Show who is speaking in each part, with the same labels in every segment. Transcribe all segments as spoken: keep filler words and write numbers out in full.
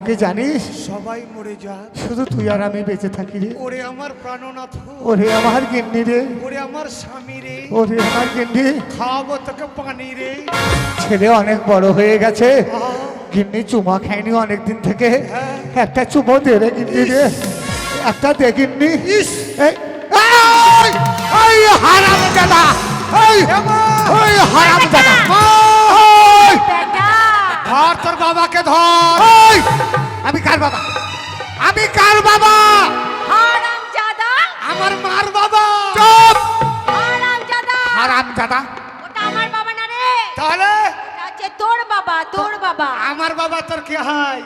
Speaker 1: কি জানিস
Speaker 2: সবাই মরে যা,
Speaker 1: শুধু তুই আর আমি বেঁচে থাকি রে।
Speaker 2: ওরে আমার প্রাণনাথ,
Speaker 1: ওরে আমার গিন্নি রে,
Speaker 2: ওরে আমার স্বামী রে,
Speaker 1: ওরে আমার গিন্নি,
Speaker 2: খাওয়াবো তোকে পানি রে।
Speaker 1: ছেলে অনেক বড় হয়ে গেছে,
Speaker 2: আহ,
Speaker 1: গিন্নি চুমা খায়নি অনেক দিন থেকে।
Speaker 2: হ্যাঁ।
Speaker 1: একটা চুমো দে রে গিন্নি রে, একটা দে গিন্নি।
Speaker 2: ইস,
Speaker 1: এই এই, এই হারামজাদা, এই এই হারামজাদা, এই,
Speaker 2: ধর তোর বাবাকে ধর।
Speaker 1: এই, আমি কার বাবা, আমি কার বাবা?
Speaker 3: হারামজাদা,
Speaker 2: আমার মার বাবা।
Speaker 1: চুপ!
Speaker 3: হারামজাদা,
Speaker 1: হারামজাদা,
Speaker 3: ওটা আমার বাবা না রে,
Speaker 2: তাহলে
Speaker 3: ওটা হচ্ছে তোর বাবা, তোর বাবা।
Speaker 2: আমার বাবা তোর কে হয়?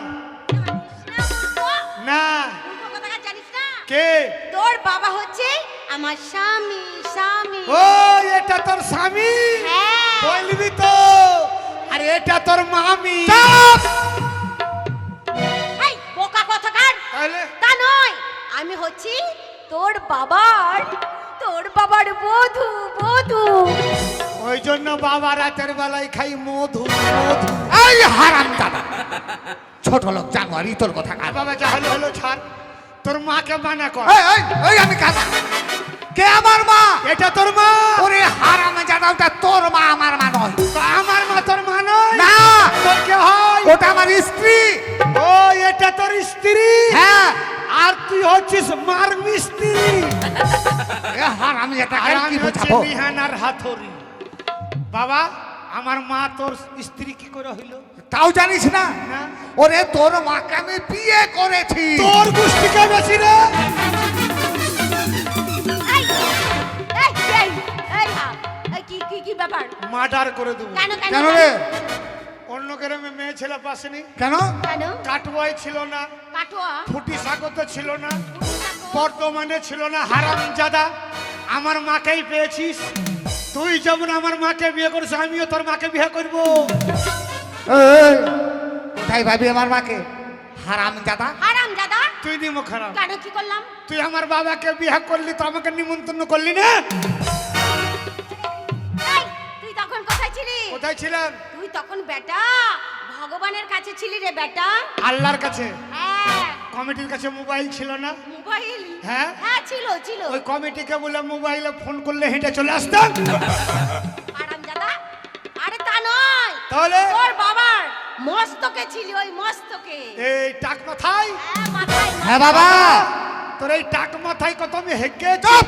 Speaker 2: না,
Speaker 3: মূর্খ কোথাকার জানিস না?
Speaker 2: কে?
Speaker 3: তোর বাবা হচ্ছে আমার স্বামী, স্বামী।
Speaker 2: ও এটা তোর স্বামী?
Speaker 3: হ্যাঁ।
Speaker 2: বলবি তো। আর এটা তোর মামি।
Speaker 1: চুপ!
Speaker 3: এই বোকা কোথাকার?
Speaker 2: তাহলে
Speaker 3: তা নয়, আমি হচ্ছি তোর বাবার, তোর বাবার বধূ, বধূ।
Speaker 2: ওই জন্য বাবা রাতের বেলায় খাই মধু, মধু।
Speaker 1: এই হারামজাদা, ছোট লোক জানোয়ারি তোর কথা কার?
Speaker 2: বাবা যা হলো হলো ছাড়, তোর মাকে মানা কর।
Speaker 1: এই এই এই আমি কার? কে আমার মা?
Speaker 2: এটা তোর মা?
Speaker 1: ওরে হারামজাদা, ওটা তোর মা, আমার মা নয়।
Speaker 2: তো আমার মা তোর মা নয়?
Speaker 1: না,
Speaker 2: তোর কে হয়?
Speaker 1: ওটা আমার স্ত্রী।
Speaker 2: ও এটা তোর স্ত্রী?
Speaker 1: হ্যাঁ।
Speaker 2: আর তুই হচ্ছিস মার মিস্ত্রি।
Speaker 1: এ হারামজাদা,
Speaker 2: আর
Speaker 1: কার
Speaker 2: আমি
Speaker 1: কি
Speaker 2: হচ্ছি
Speaker 1: বোঝাবো?
Speaker 2: বিহানার হাতুড়ি। বাবা আমার মা তোর স্ত্রী কি করে হইলো?
Speaker 1: তাও জানিস না?
Speaker 2: না।
Speaker 1: ওরে তোর মাকে আমি বিয়ে করেছি।
Speaker 2: তোর গোষ্ঠীকে বেশি রে।
Speaker 3: এই এই এই এই হা, এই কি কি কি ব্যাপার?
Speaker 2: মার্ডার করে দেবো।
Speaker 3: কেন কেন
Speaker 1: কেন রে?
Speaker 2: অন্য গ্রামে মেয়ে ছেলে পাসেনি,
Speaker 1: কেন?
Speaker 3: কেন?
Speaker 2: কাটবয় ছিল না,
Speaker 3: কাটোয়া,
Speaker 2: ফুটি স্বাগত ছিল না, বর্তমানে ছিল না। হারামজাদা, আমার মাকেই পেয়েছিস। তুই যেমন আমার মাকে বিয়ে করিস, আমিও তোর মাকে বিয়ে করবো।
Speaker 1: এই, তাই ভাবি আমার মাকে? হারামজাদা,
Speaker 3: হারামজাদা।
Speaker 2: তুই নিমো খারাপ।
Speaker 3: কেন কি করলাম?
Speaker 2: তুই আমার বাবাকে বিয়ে করলি তো আমাকে নিমন্ত্রণ করলি না?
Speaker 3: এই তুই তখন কোথায় ছিলি?
Speaker 2: কোথায় ছিলাম?
Speaker 3: তুই তখন বেটা ভগবানের কাছে ছিলি রে বেটা।
Speaker 2: আল্লাহর কাছে।
Speaker 3: হ্যাঁ,
Speaker 2: কমিটির কাছে মোবাইল ছিল না?
Speaker 3: মোবাইল।
Speaker 2: হ্যাঁ?
Speaker 3: হ্যাঁ ছিল ছিল।
Speaker 2: ওই কমিটিকে বলে মোবাইলে ফোন করলে হেঁটে চলে আসতাম।
Speaker 3: হারামজাদা, আরে তা নয়,
Speaker 2: তাহলে
Speaker 3: তোর বাবার মস্তকে ছিল, ওই মস্তকে।
Speaker 2: এই টাক মাথায়,
Speaker 3: হ্যাঁ মাথায়।
Speaker 1: হ্যাঁ বাবা,
Speaker 2: তোর এই টাক মাথায় কত আমি হেগে
Speaker 1: চুপ!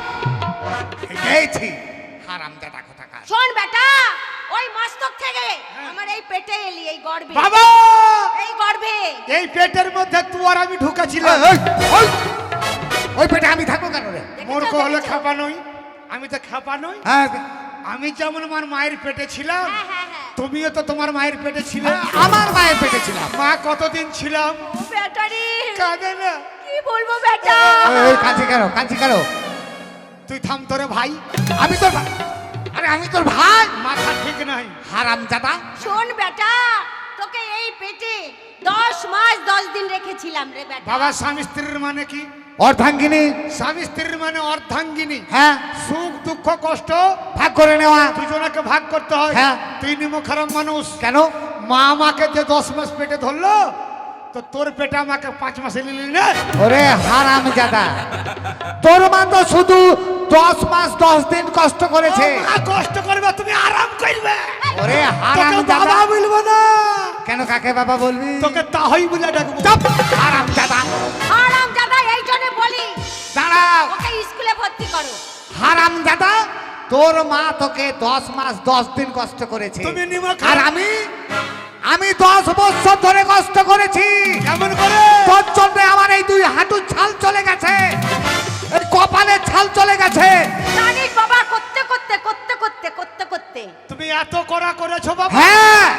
Speaker 1: গেছি হারামজাদা কোথাকার।
Speaker 3: শোন বেটা, ওই মস্তক থেকে আমার এই পেটে এলি, এই গর্ভে,
Speaker 2: বাবা
Speaker 3: এই গর্ভে।
Speaker 2: এই পেটের মধ্যে তুই আর আমি ঢুকাছিলাম।
Speaker 1: এই, এই, ওই, ওই পেটে আমি থাকবো কেন রে?
Speaker 3: দেখেছো,
Speaker 2: মূর্খ হলে
Speaker 3: দেখেছো?
Speaker 2: খাপা নই, আমি তো খাপা নই।
Speaker 1: হ্যাঁ,
Speaker 2: আমি যেমন আমার মায়ের পেটে ছিলাম,
Speaker 3: হ্যাঁ হ্যাঁ হ্যাঁ।
Speaker 2: তুমিও তো তোমার মায়ের পেটে ছিলে।
Speaker 1: আমার মায়ের পেটে ছিলাম।
Speaker 2: মা কতদিন ছিলাম?
Speaker 3: ও বেটা রে,
Speaker 2: কাঁদে না।
Speaker 3: কি বলবো বেটা?
Speaker 1: এই কাঁচি কেন, কাঁচি কেন?
Speaker 2: তুই থাম তোরে ভাই,
Speaker 1: আমি তোর ভা- আরে আমি তোর ভাই।
Speaker 2: মাথা ঠিক নাই।
Speaker 1: হারামজাদা,
Speaker 3: শোন বেটা, তোকে এই পেটে দশ মাস দশ দিন রেখেছিলাম রে বেটা।
Speaker 2: বাবা স্বামী স্ত্রীর মানে কি?
Speaker 1: অর্ধাঙ্গিনী।
Speaker 2: স্বামী স্ত্রীর মানে অর্ধাঙ্গিনী।
Speaker 1: হ্যাঁ,
Speaker 2: সুখ দুঃখ কষ্ট
Speaker 1: ভাগ করে নেওয়া।
Speaker 2: দুজনকে ভাগ করতে হয়।
Speaker 1: হ্যাঁ।
Speaker 2: তুই নিমো খারাপ মানুষ।
Speaker 1: কেন?
Speaker 2: মা আমাকে যে দশ মাস পেটে ধরলো, তো তোর পেটে আমাকে পাঁচ মাসে নিলি না?
Speaker 1: ওরে হারামজাদা, তোর মা তো শুধু দশ মাস দশ দিন কষ্ট করেছে।
Speaker 2: ও মা কষ্ট করবে, তুমি আরাম করবে।
Speaker 1: ওরে
Speaker 2: তোকে
Speaker 1: হারামজাদা,
Speaker 2: বাবা বলবো না,
Speaker 1: কেন কাকে বাবা বলবি?
Speaker 2: তোকে তাহই বলে ডাকবো।
Speaker 1: চুপ! হারামজাদা,
Speaker 3: হারামজাদা, এই জন্য বলি
Speaker 1: দাঁড়াও।
Speaker 3: ওকে স্কুলে ভর্তি করো।
Speaker 1: হারামজাদা, তোর মা তোকে দশ মাস দশ দিন কষ্ট করেছে,
Speaker 2: তুমি নিমো
Speaker 1: আর
Speaker 2: খারাপ।
Speaker 1: আমি আমি দশ বছর ধরে কষ্ট করেছি।
Speaker 2: কেমন করে?
Speaker 1: তোর জন্য আমার এই দুই হাঁটুর ছাল চলে গেছে, এই কপালের ছাল চলে গেছে।
Speaker 3: জানিস বাবা, করতে করতে করতে করতে করতে করতে
Speaker 2: তুমি এত করা করেছো বাবা?
Speaker 1: হ্যাঁ,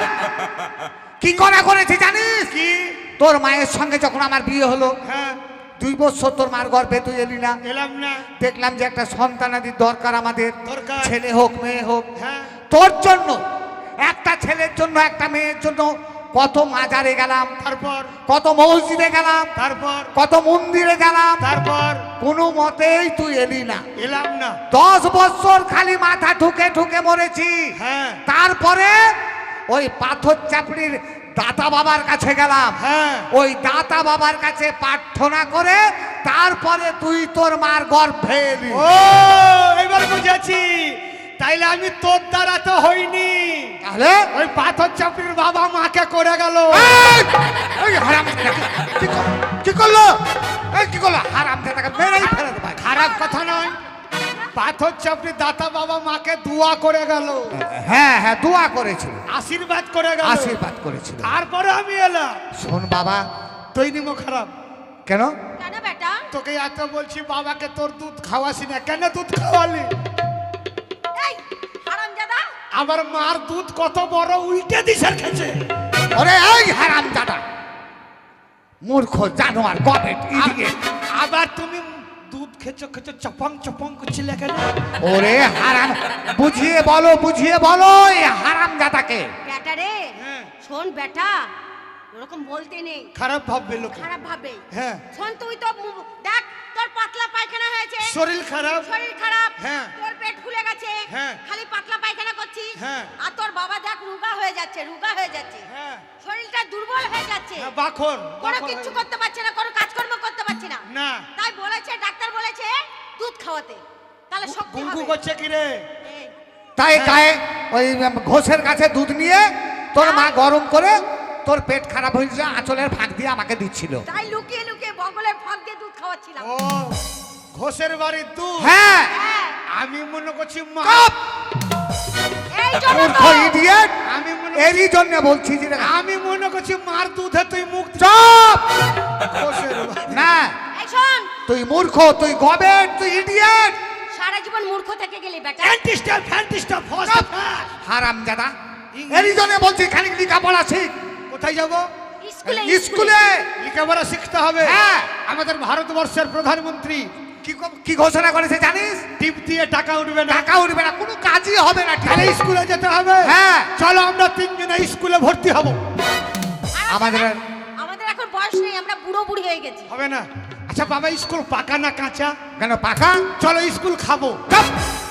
Speaker 1: কি করা করেছি জানিস?
Speaker 2: কি?
Speaker 1: তোর মায়ের সঙ্গে যখন আমার বিয়ে হলো,
Speaker 2: হ্যাঁ,
Speaker 1: দুই বছর তোর মার গর্ভে তুই এলি না।
Speaker 2: এলাম না।
Speaker 1: দেখলাম যে একটা সন্তানাদির দরকার আমাদের,
Speaker 2: দরকার।
Speaker 1: ছেলে হোক মেয়ে হোক।
Speaker 2: হ্যাঁ।
Speaker 1: তোর জন্য, একটা ছেলের জন্য একটা মেয়ের জন্য কত মাজারে গেলাম,
Speaker 2: তারপর
Speaker 1: কত মসজিদে গেলাম,
Speaker 2: তারপর
Speaker 1: কত মন্দিরে গেলাম,
Speaker 2: তারপর
Speaker 1: কোনো মতেই তুই এলি না।
Speaker 2: এলাম না।
Speaker 1: দশ বছর খালি মাথা ঠুকে ঠুকে মরেছি।
Speaker 2: হ্যাঁ।
Speaker 1: তারপরে ওই পাথর চাপড়ির দাতা বাবার কাছে গেলাম।
Speaker 2: হ্যাঁ।
Speaker 1: ওই দাতা বাবার কাছে প্রার্থনা করে তারপরে তুই তোর মার গর্ভে এলি।
Speaker 2: ও এবার বুঝেছি, তাইলে আমি তোর দ্বারা তো হইনি,
Speaker 1: তাহলে
Speaker 2: ওই পাথর চাপড়ির বাবা মাকে করে গেল।
Speaker 1: এই! এই হারামজাদা কি কর- কি করলো? এই কি করলো? হারামজাদাকে মেরেই ফেলে দেবো।
Speaker 2: খারাপ কথা নয়, পাথর চাপড়ির দাতা বাবা মাকে দোয়া করে গেল,
Speaker 1: হ্যাঁ হ্যাঁ দোয়া করেছিল,
Speaker 2: আশীর্বাদ করে গেল,
Speaker 1: আশীর্বাদ করেছিল।
Speaker 2: তারপরে আমি এলাম।
Speaker 1: শোন বাবা,
Speaker 2: তুই নিমো খারাপ,
Speaker 1: কেন
Speaker 3: কেন বেটা?
Speaker 2: তোকে এত বলছি বাবাকে তোর দুধ খাওয়াসি না, কেন দুধ খাওয়ালি?
Speaker 3: এই হারামজাদা,
Speaker 2: আমার মার দুধ কত বড় উল্টে দিশার খেছে।
Speaker 1: ওরে এই হারামজাদা মূর্খ জানোয়ার গবেট ইডিয়েট।
Speaker 2: আবার তুমি দুধ খেছো খেছো চপং চপং করছিলে কেন?
Speaker 1: ওরে হারাম, বুঝিয়ে বলো বুঝিয়ে বলো এই হারামজাদাকে।
Speaker 3: বেটা রে,
Speaker 2: হ্যাঁ।
Speaker 3: শোন বেটা, ওরকম বলতে নেই,
Speaker 2: খারাপ ভাববে লোকে।
Speaker 3: খারাপ ভাবে।
Speaker 2: হ্যাঁ।
Speaker 3: শোন তুই তো মু- দেখ তোর পাতলা পায়খানা হয়েছে,
Speaker 2: শরীর খারাপ।
Speaker 3: শরীর খারাপ,
Speaker 2: হ্যাঁ।
Speaker 3: তোর পেট ফুলে গেছে,
Speaker 2: হ্যাঁ।
Speaker 3: খালি পাতলা পায়খানা করছিস,
Speaker 2: হ্যাঁ।
Speaker 3: আর তোর বাবা দেখ রোগা হয়ে যাচ্ছে, রোগা হয়ে যাচ্ছে,
Speaker 2: হ্যাঁ।
Speaker 3: শরীরটা দুর্বল হয়ে যাচ্ছে,
Speaker 2: হ্যাঁ, বাখর
Speaker 3: কোনো
Speaker 2: বাখর
Speaker 3: কিচ্ছু
Speaker 2: হয়ে-
Speaker 3: করতে পারছে না, কোনো কাজকর্ম করতে পারছে না।
Speaker 2: না।
Speaker 3: তাই বলেছে ডাক্তার বলেছে দুধ খাওয়াতে, তাহলে শক্তি
Speaker 2: গুঙ্গু
Speaker 3: হবে।
Speaker 2: করছে কি রে?
Speaker 3: এই,
Speaker 1: তাই গায়ে ওই ঘোষের কাছে দুধ নিয়ে তোর মা গরম করে তোর পেট খারাপ হয়েছে আঁচলের ফাঁক দিয়ে আমাকে দিচ্ছিল।
Speaker 3: তাই লুকিয়ে লুকিয়ে বগলের ফাঁক দিয়ে দুধ খাওয়াচ্ছিলাম।
Speaker 2: ও ঘোষের বাড়ির দুধ।
Speaker 1: হ্যাঁ
Speaker 3: হ্যাঁ,
Speaker 2: আমি মনে করছি মা।
Speaker 1: কাপ
Speaker 3: এই জন্য
Speaker 1: মূর্খ
Speaker 3: তো
Speaker 1: ইডিয়েট,
Speaker 2: আমি মনে
Speaker 1: এরই জন্য বলছি যে
Speaker 2: আমি মনে করছি মার দুধে তুই মুখ দি-
Speaker 1: চুপ।
Speaker 2: ঘোষের বাড়ি।
Speaker 1: না
Speaker 3: এই শোন,
Speaker 1: তুই মূর্খ, তুই গবেট, তুই ইডিয়েট।
Speaker 3: সারা জীবন মূর্খ থেকে গেলি বেটা।
Speaker 2: ফ্যান্টিস্টার ফ্যান্টিস্টার ফার্স্ট ক্লাস।
Speaker 1: হারামজাদা,
Speaker 2: ইংরেজি-
Speaker 1: এরই জন্য বলছি খানিক লেখাপড়া শিখ।
Speaker 2: কোথায় যাব?
Speaker 3: স্কুলে
Speaker 1: স্কুলে
Speaker 2: লেখাপড়া শিখতে হবে।
Speaker 1: হ্যাঁ।
Speaker 2: আমাদের ভারতবর্ষের প্রধানমন্ত্রী
Speaker 1: কি ক- কি ঘোষণা করেছে জানিস?
Speaker 2: টিপ দিয়ে টাকা উঠবে না,
Speaker 1: টাকা উঠবে না, কোনো কাজই হবে না। ঠিক
Speaker 2: তাহলে
Speaker 1: আছে?
Speaker 2: স্কুলে যেতে হবে।
Speaker 1: হ্যাঁ।
Speaker 2: চলো আমরা তিনজনে স্কুলে ভর্তি হব।
Speaker 3: আর
Speaker 1: আমাদের
Speaker 3: আমাদের এখন বয়স নেই, আমরা বুড়ো বুড়ি হয়ে গেছি।
Speaker 2: হবে না? আচ্ছা বাবা, স্কুল পাকা না কাঁচা?
Speaker 1: কেন পাকা?
Speaker 2: চলো স্কুল খাবো।
Speaker 1: চাপ।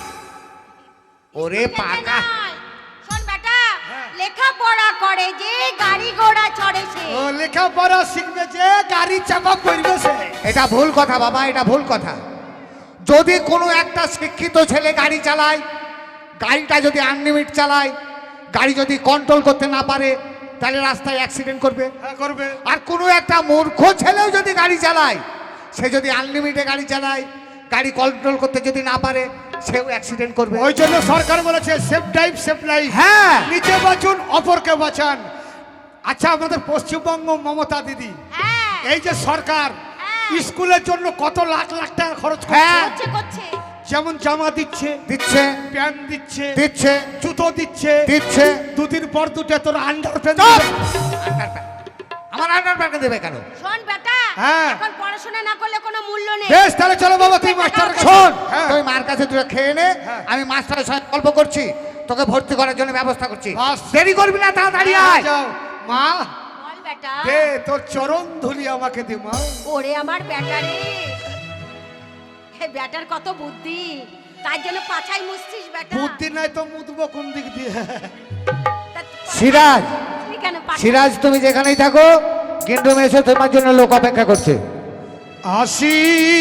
Speaker 1: ওরে পাকা,
Speaker 3: নয়, শোন বেটা,
Speaker 2: হ্যাঁ।
Speaker 3: লেখাপড়া করে যে গাড়ি ঘোড়া চড়ে সে।
Speaker 2: ও লেখাপড়া শিখবে যে গাড়ি চাপা পড়বে সে।
Speaker 1: এটা ভুল কথা বাবা, এটা ভুল কথা। যদি কোনো একটা শিক্ষিত ছেলে গাড়ি চালায়, গাড়িটা যদি আনলিমিট চালায়, গাড়ি যদি কন্ট্রোল করতে না পারে, তাহলে রাস্তায় অ্যাক্সিডেন্ট করবে।
Speaker 2: হ্যাঁ করবে।
Speaker 1: আর কোনো একটা মূর্খ ছেলেও যদি গাড়ি চালায়, সে যদি আনলিমিটে গাড়ি চালায়, গাড়ি কন্ট্রোল করতে যদি না পারে, সেও অ্যাক্সিডেন্ট করবে।
Speaker 2: ওই জন্য সরকার বলেছে সেফ ড্রাইভ সেফ লাইফ।
Speaker 1: হ্যাঁ।
Speaker 2: নিজে বাঁচুন অপরকে বাঁচান। আচ্ছা আমাদের পশ্চিমবঙ্গ মমতা দিদি,
Speaker 3: হ্যাঁ,
Speaker 2: এই যে সরকার
Speaker 3: হ্যাঁ।
Speaker 2: স্কুলের জন্য কত লাখ লাখ টাকা খরচ
Speaker 1: হ্যাঁ।
Speaker 2: করছে,
Speaker 3: করছে করছে।
Speaker 2: যেমন জামা দিচ্ছে,
Speaker 1: দিচ্ছে
Speaker 2: প্যান্ট দিচ্ছে,
Speaker 1: দিচ্ছে
Speaker 2: জুতো দিচ্ছে,
Speaker 1: দিচ্ছে।
Speaker 2: দুদিন পর দুটো তোর আন্ডার প্যান্ট
Speaker 1: চুপ!
Speaker 2: দিবে।
Speaker 1: আন্ডারপ্যান্ট। আমার আন্ডারপ্যান্ট দেবে কেন?
Speaker 3: শোন বেটা,
Speaker 2: হ্যাঁ।
Speaker 3: এখন পড়াশোনা না করলে কোনো মূল্য নেই।
Speaker 2: বেশ তাহলে চলো বাবা, তুই মাস্টার
Speaker 1: শোন,
Speaker 2: হ্যাঁ।
Speaker 1: তুই মার কাছে তুই খেয়ে নে,
Speaker 2: হ্যাঁ।
Speaker 1: আমি মাস্টারের সঙ্গে গল্প করছি, তোকে ভর্তি করার জন্য ব্যবস্থা করছি।
Speaker 2: বাস।
Speaker 1: দেরি করবি না, তাড়াতাড়ি আয়।
Speaker 2: যাও মা,
Speaker 3: বল বেটা।
Speaker 2: দে তোর চরণ ধুলি আমাকে দে মা।
Speaker 3: ওরে আমার বেটা রে, হে বেটার কত বুদ্ধি, তার জন্য পাছাই মুছছিস বেটা।
Speaker 2: বুদ্ধি নাই তো মুদবো কোন দিক দিয়ে?
Speaker 3: তা
Speaker 1: সিরাজ,
Speaker 3: তুই কেন পাছাই-
Speaker 1: সিরাজ তুমি যেখানেই থাকো, কিন্তু এসে তোমার জন্য লোক অপেক্ষা করছে।
Speaker 2: আসি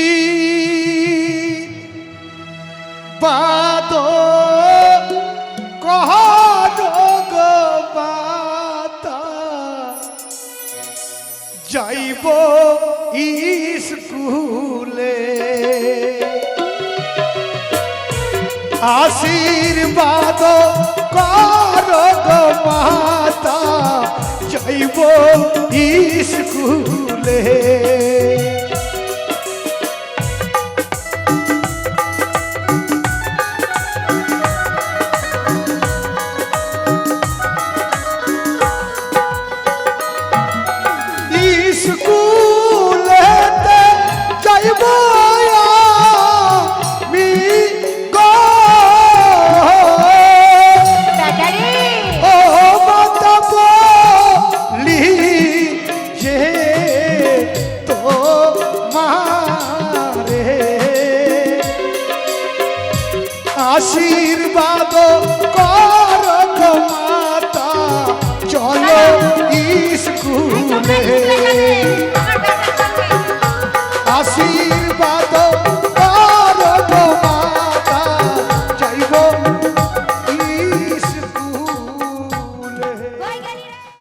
Speaker 2: বাদ কহন গো বাতা, যাইব স্কুলে, আশীর্বাদ কর গো মাতা, যাইব স্কুলে। স্কুলেতে যাইব আমি গো,
Speaker 3: বেটা রে,
Speaker 2: ও মাতা বলি যে তো মারে, আশীর্বাদ কর গো মাতা, চলো
Speaker 1: বলে